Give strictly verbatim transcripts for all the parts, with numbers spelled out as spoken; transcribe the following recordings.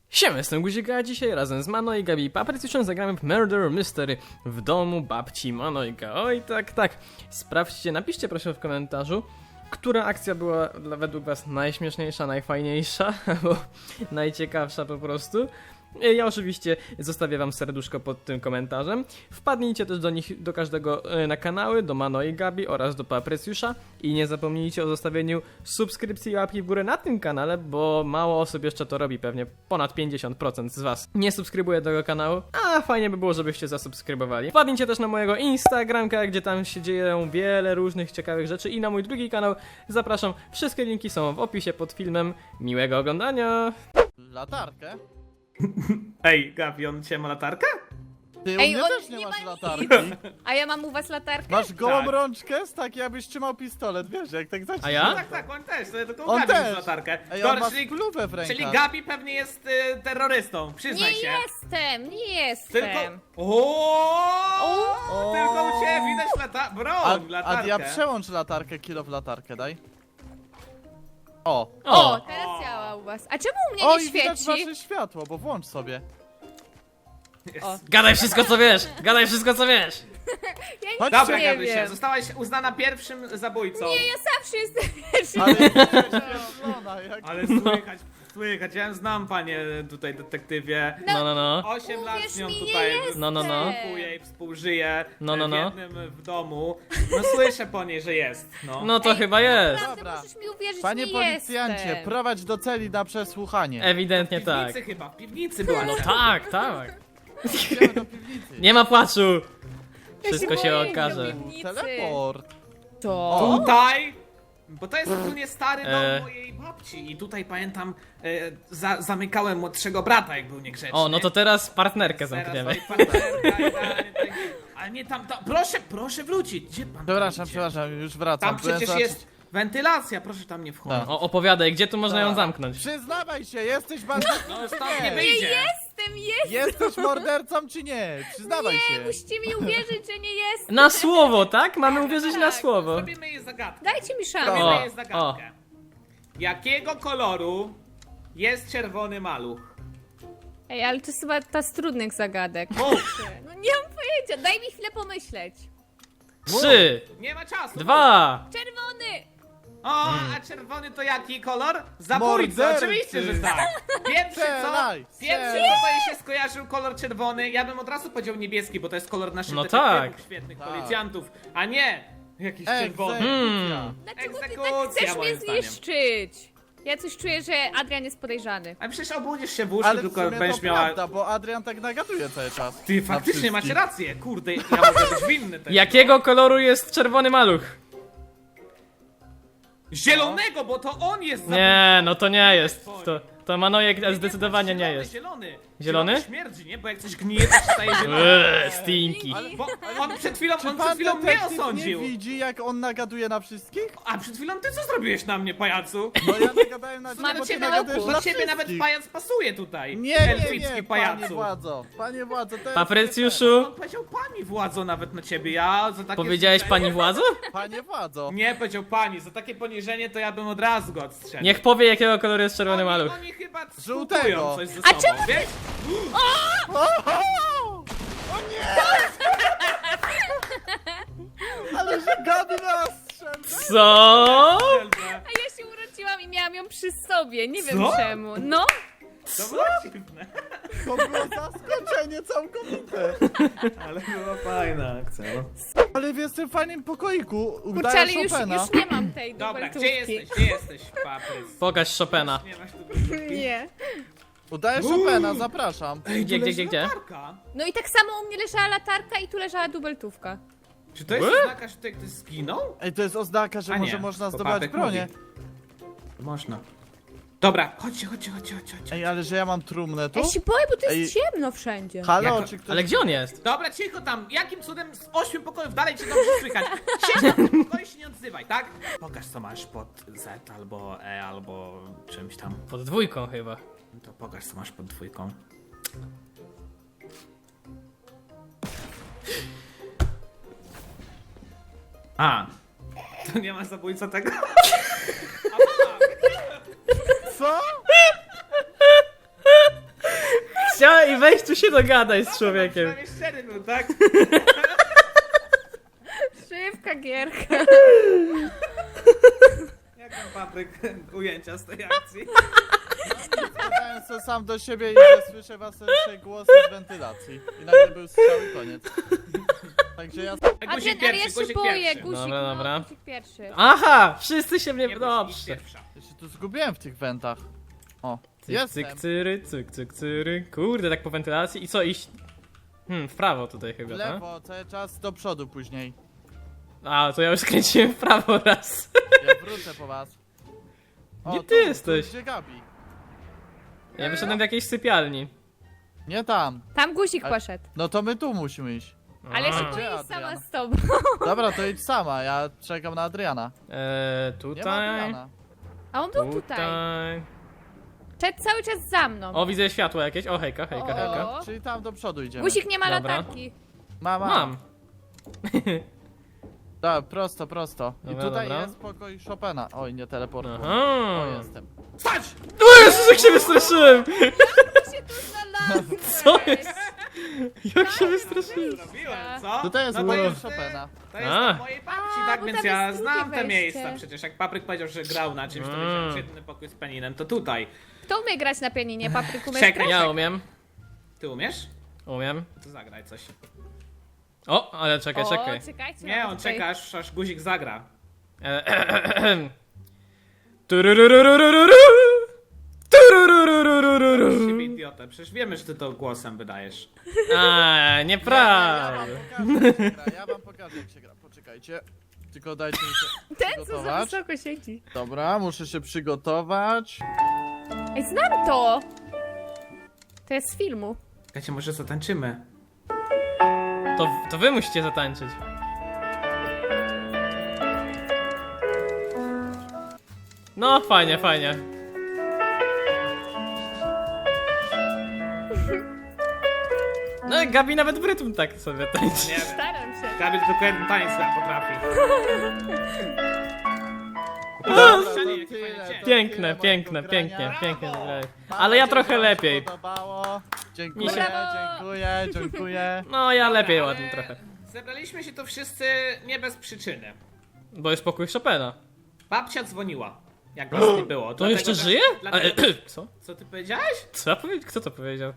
Siema, jestem Guzik, a dzisiaj razem z Mano i Gabi Paprycjuszem zagramy w Murder Mystery w domu babci Manojka. Oj, tak, tak. Sprawdźcie, napiszcie proszę w komentarzu, która akcja była dla, według was najśmieszniejsza, najfajniejsza, albo najciekawsza po prostu. Ja oczywiście zostawię wam serduszko pod tym komentarzem. Wpadnijcie też do nich, do każdego na kanały, do Mano i Gabi oraz do Paprycjusza. I nie zapomnijcie o zostawieniu subskrypcji i łapki w górę na tym kanale, bo mało osób jeszcze to robi, pewnie ponad pięćdziesiąt procent z was nie subskrybuje tego kanału, a fajnie by było, żebyście zasubskrybowali. Wpadnijcie też na mojego Instagramka, gdzie tam się dzieją wiele różnych ciekawych rzeczy, i na mój drugi kanał. Zapraszam, wszystkie linki są w opisie pod filmem. Miłego oglądania! Latarkę? Ej, Gabi, on dzisiaj ma latarkę? Ty u Ej, mnie on też nie, nie masz ma latarki. A ja mam u was latarkę? Masz gołą Tak. rączkę, z tak jakbyś trzymał pistolet, wiesz, jak tak zacznie. A ja? Tak, tak, on też, tylko On Gabi też. ma latarkę. Ej, on Dobra, ma czyli, spluwę w rękach. czyli Gabi pewnie jest y, terrorystą, przyznaj Nie się. jestem, nie jestem. Tylko... Oooo! O! Tylko u ciebie widać lata... broń, A, latarkę. a ja przełącz latarkę, kilo w latarkę, daj. O. O, O! teraz działa u was. A czemu u mnie O, nie i widać świeci? wasze światło, bo włącz sobie. O. Gadaj wszystko co wiesz! Gadaj wszystko co wiesz! Ja nic Chodź, Dobra, nie Gabrysia, wiem. zostałaś uznana pierwszym zabójcą. Nie, ja zawsze jestem pierwszy. Ale świetlona, jak... Ale słychać, słychać, ja znam panie tutaj detektywie. No, no, no. Osiem lat Uwierz z nią mi, nie tutaj jestem. No, no, no. współkuje i współżyje No, no, w no. jednym w domu. No słyszę po niej, że jest. No. No to Ej, chyba jest. Naprawdę Dobra. możesz mi uwierzyć, Panie nie policjancie, jestem. prowadź do celi na przesłuchanie. Ewidentnie W tak. piwnicy chyba, w piwnicy była. No cela. tak, tak. Idziemy do piwnicy. Nie ma płaczu! Ja Wszystko się boję okaże. do piwnicy. Teleport. To? Tutaj! Bo to jest ogólnie stary dom E. mojej babci i tutaj pamiętam, e, za, zamykałem młodszego brata, jak był niegrzeczny. O, no to teraz partnerkę Teraz zamkniemy. stoi partnerka, idealnie tak. Ale nie tam, tam, proszę, proszę wrócić, gdzie pan tam Przepraszam, idzie? przepraszam, już wracam. Tam przecież Byłem jest wentylacja, proszę tam nie wchodzić. Tak. O, opowiadaj, gdzie tu można ją zamknąć? Przyznawaj się, jesteś bardzo... No stąd nie Nie wyjdzie. jestem, jestem. Jesteś mordercą czy nie? Przyznawaj Nie, się. musicie mi uwierzyć, że nie jestem. Na słowo, tak? Mamy uwierzyć na Tak. słowo. Zrobimy jej zagadkę. Dajcie mi szansę. Zrobimy O, jej zagadkę. Jakiego koloru jest czerwony maluch? Ej, ale to jest chyba ta z trudnych zagadek. Mów! No nie mam pojęcia, daj mi chwilę pomyśleć. Trzy, Nie ma czasu. dwa. Czerwony! O, Hmm. a czerwony to jaki kolor? Zabójca, Mordercy. oczywiście, że tak. Pierwszy co? Strzelaj, Pierwszy strzelaj. co to jej się skojarzył kolor czerwony. Ja bym od razu powiedział niebieski, bo to jest kolor naszych No detektywów, tak. świetnych Tak. policjantów, a nie jakiś czerwony. Egzekucja. Dlaczego ty tak Egzekucja, chcesz mnie moim zdaniem. zniszczyć? Ja coś czuję, że Adrian jest podejrzany. A przecież obudzisz się w łóżku, Ale w tylko sumie będziesz to miała... prawda, bo Adrian tak nagaduje cały czas. Ty Na faktycznie macie wszystkich. rację, kurde, ja mogę być winny też. Jakiego koloru jest czerwony maluch? Zielonego, bo to on jest Nie, no to nie jest. To, to Manojek zdecydowanie nie zielony, jest. Zielony, Zielony? śmierdzi, nie? Bo jak coś gnije, to się staje zielony. Eee, stinki. Ale, bo on przed chwilą, Czy on przed pan chwilą mnie detektyw nie osądził. widzi, jak on nagaduje na wszystkich? A przed chwilą ty co zrobiłeś na mnie, pajacu? No ja nagadałem na ciebie, Mam bo cię ty na nagadujesz oku. na Do ciebie nawet wszystkich. pajac pasuje tutaj. Nie, nie, Elficki nie, panie pajacu. władzo. Panie władzo, to jest... Paprycjuszu, On powiedział pani władzo nawet na ciebie, ja za takie... powiedziałeś pani władzo? Panie władzo. Nie, powiedział pani, za takie poniżenie to ja bym od razu go odstrzelił. Niech powie, jakiego koloru jest czerwony oni, maluch. Oni chyba Żółtego. współczują coś ze A sobą, czemu wiesz? O, o, o nie! Ale że Gabi nas strzela. Co? A ja się urodziłam i miałam ją przy sobie, nie wiem Co? czemu. No, To było dziwne. To było zaskoczenie całkowite. Ale była fajna akcja, no. Ale w tym fajnym pokoiku kurczę, udaje ale już, Chopina. już nie mam tej Dobra, dubeltówki. gdzie jesteś? Gdzie jesteś, Paprys? Pokaż Chopina. Nie masz tu Nie. Udaje Chopina, zapraszam. Ej, Gdzie, tu gdzie, leży gdzie, gdzie? latarka. No i tak samo u mnie leżała latarka i tu leżała dubeltówka. Czy to jest Ły? oznaka, że tutaj ktoś zginął? Ej, to jest oznaka, że A może nie, można bo zdobywać Papek bronię. mówi. Można. Dobra, chodźcie, chodźcie, chodźcie, chodźcie. chodźcie. Ej, ale że ja mam trumnę tu? Ja się boję, bo to jest Ej. ciemno wszędzie. Halo, Jako- czy ktoś... Ale gdzie on jest? Dobra, cicho tam. Jakim cudem z ośmiu pokojów dalej cię dobrze słychać? Siedź na tym pokoju i się nie odzywaj, tak? Pokaż co masz pod Z albo E albo czymś tam. Pod dwójką chyba. To pokaż co masz pod dwójką. A. To nie ma zabójca tego? Co? gościa i weź tu się dogadaj z człowiekiem. Przynajmniej szczery był, tak? Szybka gierka. Jak tam Papryk ujęcia z tej akcji? Powiedziałem sobie sam do siebie i że słyszę wasze głosy z wentylacji. I nagle był strzał i koniec. Także ja... Guzik Adrian, ale ja pierwszy, się guzik boję, pierwszy. guzik, Dobra, no, dobra. guzik pierwszy. Aha, wszyscy się mnie... Nie, guzik Dobrze. pierwsza. Ja się tu zgubiłem w tych wentach. O, Cyk, jestem. cyk, cyry, cyk, cyk, cyry. Kurde, tak po wentylacji. I co, iść? Hmm, w prawo tutaj W chyba, tak? lewo, cały czas do przodu później. A, to ja już skręciłem w prawo raz. Ja wrócę po was. O, Nie ty tu, jesteś. Tu, gdzie Gabi? Ja wyszedłem do jakiejś sypialni. Nie tam. Tam guzik Ale- poszedł. No to my tu musimy iść. Ale A. się Gdzie boję sama Adrian? z tobą. Dobra, to idź sama, ja czekam na Adriana. Eee, Nie ma tutaj. Adriana. A on był tutaj. Tutaj. Szedł cały czas za mną. O, widzę światło jakieś. O, hejka, hejka, O. hejka. O, czyli tam do przodu idziemy. Guzik nie ma Dobra. latarki. Mama. Mam. Tak, prosto, prosto. I Dobra, tutaj dobra. jest pokój Chopina. Oj, nie teleportuj. Aha. O, jestem. Stać! O Jezus, jak się wystraszyłem! się tu znalazłeś? Co jest? Jak się wystraszyłem? Zrobiłem, co? Tutaj jest no to pokój jest, Chopina. to jest A. na mojej babci, A, tak bo więc tam ja jest znam drugie te wejście. miejsca przecież. Jak Papryk powiedział, że grał na czymś, to Mm. wiedziałem, że jedyny pokój z peninem to tutaj. Kto umie grać na pianinie? Papryk umiesz Czekaj, grać? Ja umiem. Ty umiesz? Umiem. To zagraj coś. O, ale czekaj, O, czekaj. czekajcie. Nie, mamy on tutaj- czeka aż, aż guzik zagra. Eee, Tururururururu. Tururururururu. Z siebie idiotę, przecież wiemy, że ty to głosem wydajesz. A, Ja nieprawda. wam pokażę, jak się gra. Ja wam pokażę, jak się gra. Poczekajcie. Tylko dajcie mi się Ten, co za przygotować. wysoko siedzi. Dobra, muszę się przygotować. Ej, znam to! To jest z filmu. Czekajcie, może zatańczymy. To, to wy musicie zatańczyć. No, fajnie, fajnie. No, Gabi nawet w rytm tak sobie tańczy. Nie wiem. Staram się. Gabi tylko jeden tańc chyba potrafi. Dobra, to Strzeli, jaki tyle, fajny to dzień. Piękne, tyle piękne, mojego pięknie, grania. pięknie. Brawo! Mam Ale ja nadzieję, trochę że wam się lepiej. Podobało. Dziękuję, Mi się- dziękuję, dziękuję. No, ja lepiej Ale ładnie trochę. Zebraliśmy się tu wszyscy nie bez przyczyny. Bo jest pokój Chopina. Babcia dzwoniła, jak nas nie było. To Dlatego jeszcze też- żyje? Dlatego... Ale, co? Co ty powiedziałeś? Co? powie- Kto to powiedział?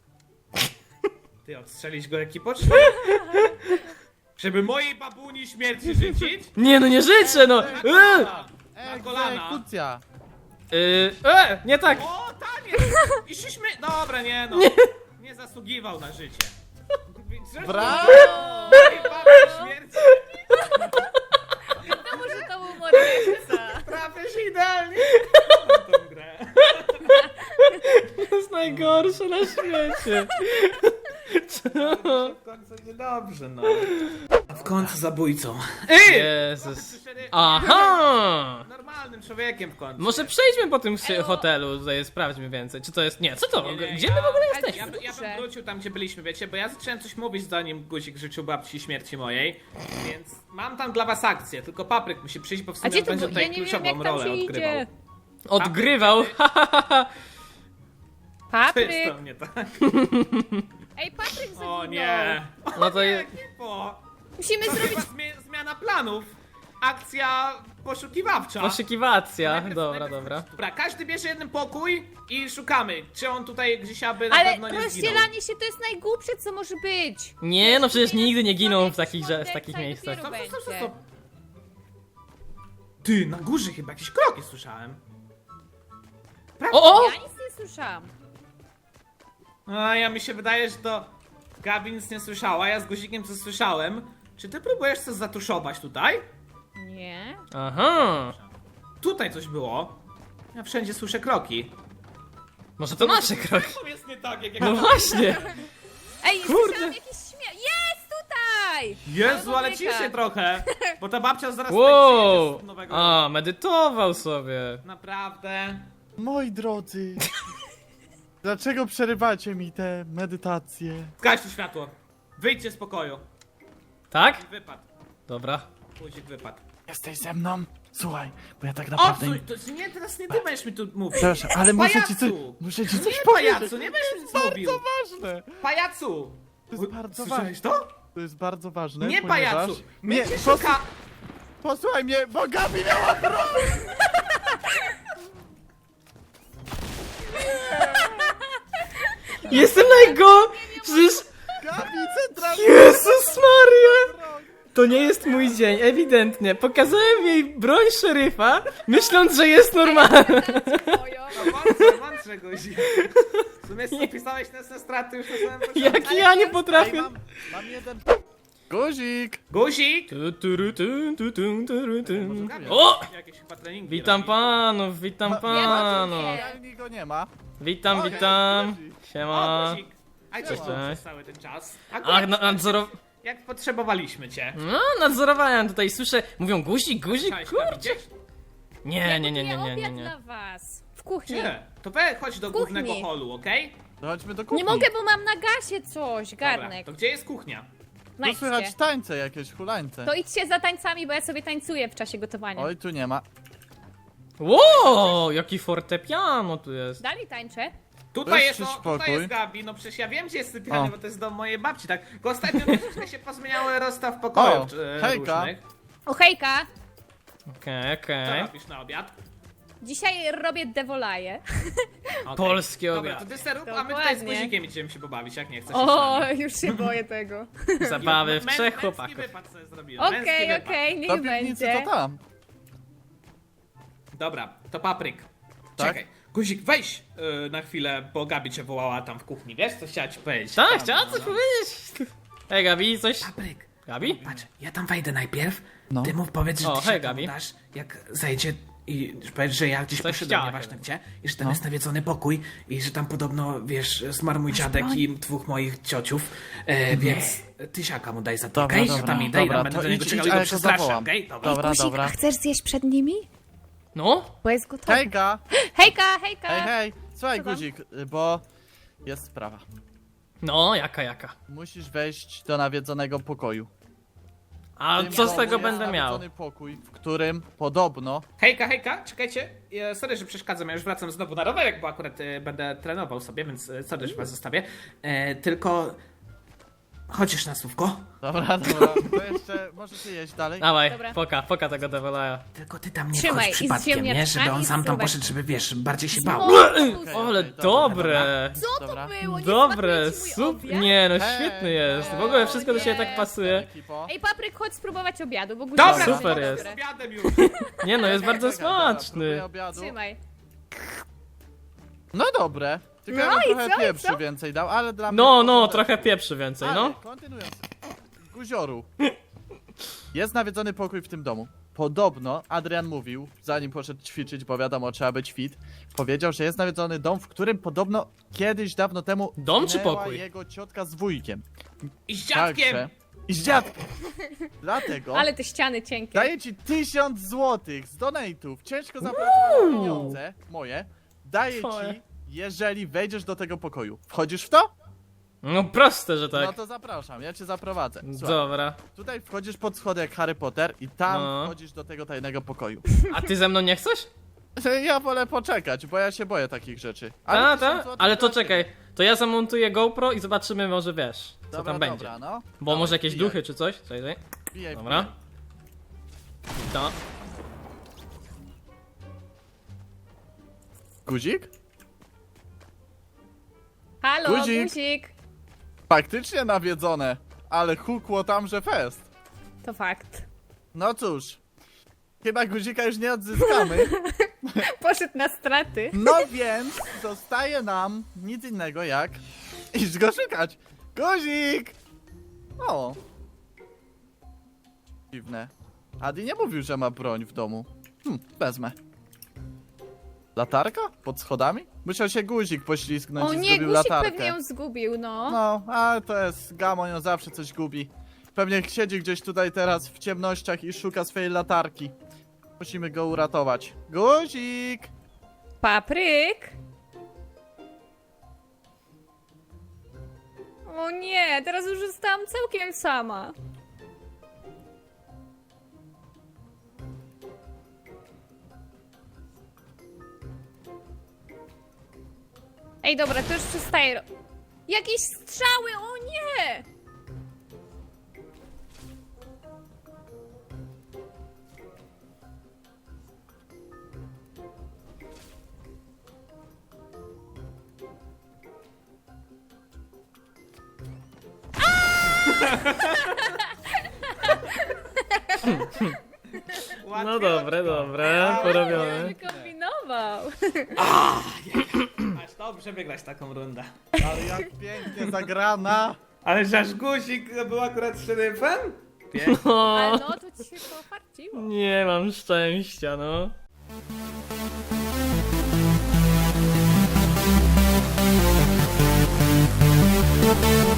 Ty odstrzelić go jaki poczty? Żeby mojej babuni śmierci życzyć? Nie, no nie życzę, no! Eee! Na kolana. Egzekucja. Yy, e, nie tak! O, taniec! I szliśmy... Dobra, nie no. Nie zasługiwał na życie. Brawo! Mojej babuni śmierci No może to był morderca. trafisz idealnie. Na tą grę. To jest najgorsze na świecie. Co? W końcu niedobrze, no. A w końcu zabójcą. Ej! Jezus. Aha! Normalnym człowiekiem w końcu. Może przejdźmy po tym sy- Elo. hotelu, tutaj sprawdźmy więcej. Czy to jest... Nie, co to? Nie, nie, Gdzie ja- my w ogóle Ale jesteśmy? Ja, by- ja Dobrze. bym wrócił tam, gdzie byliśmy, wiecie, bo ja zacząłem coś mówić, zanim guzik życzył babci śmierci mojej, więc mam tam dla was akcję, tylko Papryk musi przyjść, bo w A sumie gdzie on to będzie było? Ja tutaj nie wiem, kluczową jak tam rolę się odgrywał. idzie. Odgrywał! To Papryk! jest to nie tak. Ej, Papryk zaginął. O nie. No to je... Ekipo. Musimy To zrobić... chyba zmie- zmiana planów. Akcja poszukiwawcza. Poszukiwacja. Najpierw- Dobra, najpierw- dobra. Dobra, każdy bierze jeden pokój i szukamy, czy on tutaj gdzieś aby na Ale pewno nie zginął. rozdzielanie się to jest najgłupsze, co może być. Nie, no przecież nigdy nie giną w Jakiś takich, że- w morderca takich i miejscach. dopiero Stop, stop, stop, będzie. stop. Ty, na górze chyba jakieś kroki słyszałem. O, o! Ja nic nie słyszałam. A ja mi się wydaje, że to Gabi nic nie słyszała, ja z guzikiem co słyszałem. Czy ty próbujesz coś zatuszować tutaj? Nie. Aha! Tutaj coś było. Ja wszędzie słyszę kroki. Może to nasze kroki? To jest nie tak, jak No właśnie! Ej, Kurde. słyszałam jakiś śmiech. Jest tutaj! Jezu, ale Człowieka. ciszej trochę. Bo ta babcia zaraz Wow! tutaj przyjdzie z nowego... A, medytował sobie. Naprawdę. Moi drodzy. Dlaczego przerywacie mi te medytacje? Zgaście światło. Wyjdźcie z pokoju. Tak? Wypad. Dobra. Guzik wypadł. Jesteś ze mną? Słuchaj, bo ja tak O, naprawdę... co, to nie, teraz nie ty będziesz mi tu mówić. Przepraszam, ale muszę ci coś, Pajacu! muszę ci No coś nie, powiedzieć. pajacu, nie będziesz mi nic mówił. Bardzo ważne. Pajacu! To jest bardzo Słyszałeś ważne. to? To jest bardzo ważne, Nie, ponieważ... pajacu! My Nie, cię pos- szuka... Posłuchaj mnie, bo Gabi miała broń! Jestem najgo... Przecież... Gabi centralnie Jezus Maria! broń! To nie jest mój dzień, ewidentnie. Pokazałem jej broń szeryfa, myśląc, że jest normalna. Moją. No mądrze, mądrze, guzik. W sumie pisałeś nas na straty już na samym początku. Jak ja nie Ej, potrafię. mam, mam jeden... Guzik! Guzik! Tu, turu, tu, tu, tu, turu, tu. O! Jakieś chyba treningi Witam robi. panów, witam panów. Realnie go nie ma. Witam, O, witam. guzik. O, Siema. guzik! A co Cześć, tu cześć. przez cały ten czas? Ach, Akurat na, nadzoro... jak potrzebowaliśmy cię. No, nadzorowałem tutaj, słyszę, mówią guzik, guzik, Cześć, kurczę. Gabi, gdzieś? Nie, nie, nie, nie, Gotuję nie, nie, obiad nie. dla was. W kuchni. Nie. To we, chodź do W kuchni. głównego holu, okej? To chodźmy do kuchni. Nie mogę, bo mam na gasie coś, Dobra, garnek. to gdzie jest kuchnia? Tu słychać Znajdźcie. tańce jakieś, hulańce. To idźcie za tańcami, bo ja sobie tańcuję w czasie gotowania. Oj, tu nie ma. Wow, jaki fortepiano tu jest. Dalej tańczę. Tutaj Weź jest, ci no, spokój. tutaj jest Gabi, no przecież ja wiem gdzie jest sypialnia, O. bo to jest dom mojej babci, tak? Tylko ostatnio troszeczkę się pozmieniały rozstaw pokojów O, e, hejka. różnych. O hejka! Okej, Co okej. robisz na obiad? Dzisiaj robię devolaje. Okay. Polski Dobra, obiad. to ty serów, a my tutaj z Dokładnie. guzikiem idziemy się pobawić, jak nie chcesz. O, już się boję tego. Zabawy w Mę- trzech Męski chłopaków. wypad sobie zrobiłem, męski Okej, wypad. okej, niech Do piwnicy będzie. to tam. Dobra, to papryk. Tak? Czekaj, guzik weź y, na chwilę, bo Gabi cię wołała tam w kuchni, wiesz co chciała ci powiedzieć? Tak, Tam, chciała no, coś no. powiedzieć. Hej Gabi, coś... Papryk. Gabi? Patrz, ja tam wejdę najpierw, No. ty mów powiedz, że O, ty hej, się tam Gabi. udasz, jak zajdzie i powiedz, że ja gdzieś Coś poszedłem, chciała nieważne chyba. gdzie, i że tam No. jest nawiedzony pokój i że tam podobno, wiesz, zmarł mój dziadek i dwóch moich ciociów, e, więc tysiaka mu daj za to, Dobra, okej? Że dobra, tam mi daj, dobra, tam będę to do niego idź, czekał idź, i a go ja go przestraszę, zawołam. okej? Dobra. Dobra, Guzik, dobra. a chcesz zjeść przed nimi? No? Bo jest gotowy. Hejka! Hejka, hejka! Hej, hej! Słuchaj, Co tam? guzik, bo jest sprawa. No, jaka, jaka. Musisz wejść do nawiedzonego pokoju. A W tym co z domu tego jest będę miał? nawiedzony pokój, w którym podobno... Hejka, hejka, czekajcie. E, Sorry, że przeszkadzam, ja już wracam znowu na rowerek, bo akurat e, będę trenował sobie, więc e, sorry, że was zostawię. E, tylko... Chodzisz na słówko? Dobra, dobra, to jeszcze możecie jeść dalej. Dawaj, Dobra. poka, poka tego devolaja. Tylko ty tam nie Trzymaj, wchodź i z przypadkiem, nie? Żeby on ziemniaczkami sam tam spróbuj. poszedł, żeby wiesz, bardziej się bał. O, Okej, Ale okej, dobra, dobre. Co to Dobra. było? Nie Dobre, smakuje ci mój super. obiad? Nie no, Hej, świetny jest. W hej. ogóle wszystko do siebie tak Nie. pasuje. Ekipo. Ej, Papryk, chodź spróbować obiadu, bo guzik Dobra, jest Super dobre. jest. z obiadem już. Nie no, jest bardzo Czekaj, dobra, smaczny. próbuję obiadu. Trzymaj. No dobre. Tylko No ja bym i trochę co, i pieprzy co? więcej dał, ale dla mnie... No, no, porządek. trochę pieprzy więcej, Ale, no. kontynuując. Guzioru. Jest nawiedzony pokój w tym domu. Podobno Adrian mówił, zanim poszedł ćwiczyć, bo wiadomo, trzeba być fit, powiedział, że jest nawiedzony dom, w którym podobno kiedyś dawno temu Dom czy zginęła pokój? jego ciotka z wujkiem. I z dziadkiem. Także- I z dziadkiem. Dlatego Ale te ściany cienkie. daję ci tysiąc złotych z donate'ów, ciężko zapracowane pieniądze, moje, daję Twoje. ci, jeżeli wejdziesz do tego pokoju. Wchodzisz w to? No proste, że No tak. to zapraszam, ja cię zaprowadzę. Słuchaj, Dobra. tutaj wchodzisz pod schody jak Harry Potter i tam No. wchodzisz do tego tajnego pokoju. A ty ze mną nie chcesz? Ja wolę poczekać, bo ja się boję takich rzeczy. A, tysiąc ta? złotych Ale to dla ciebie. czekaj. To ja zamontuję GoPro i zobaczymy może wiesz, co Dobra, tam dobra, będzie. no. Bo Dawaj, może jakieś wbijaj, duchy czy coś? Czekaj, czekaj. wbijaj, Dobra. wbijaj. To. Guzik? Halo, Guzik. guzik. Faktycznie nawiedzone, ale hukło tam, że fest. To fakt. No cóż, chyba guzika już nie odzyskamy. Poszedł na straty. No więc zostaje nam nic innego jak iść go szukać. Guzik! O. Dziwne. Adi nie mówił, że ma broń w domu. Hm, wezmę. Latarka? Pod schodami? Musiał się guzik poślizgnąć O i nie, zgubił guzik latarkę. pewnie ją zgubił, no. No, ale to jest gamon, on zawsze coś gubi. Pewnie siedzi gdzieś tutaj teraz w ciemnościach i szuka swojej latarki. Musimy go uratować. Guzik! Papryk. O nie, teraz już zostałam całkiem sama. Ej, dobra, to już przestaję. ro- Jakieś strzały, o nie! No dobre, dobre, porobione. Wykombinował. Aż dobrze wygrać taką rundę. Ale jak pięknie zagrana. Ale że aż guzik był akurat szeryfem? Ale O, no, to ci się pofarciło. nie mam szczęścia, no. Thank you.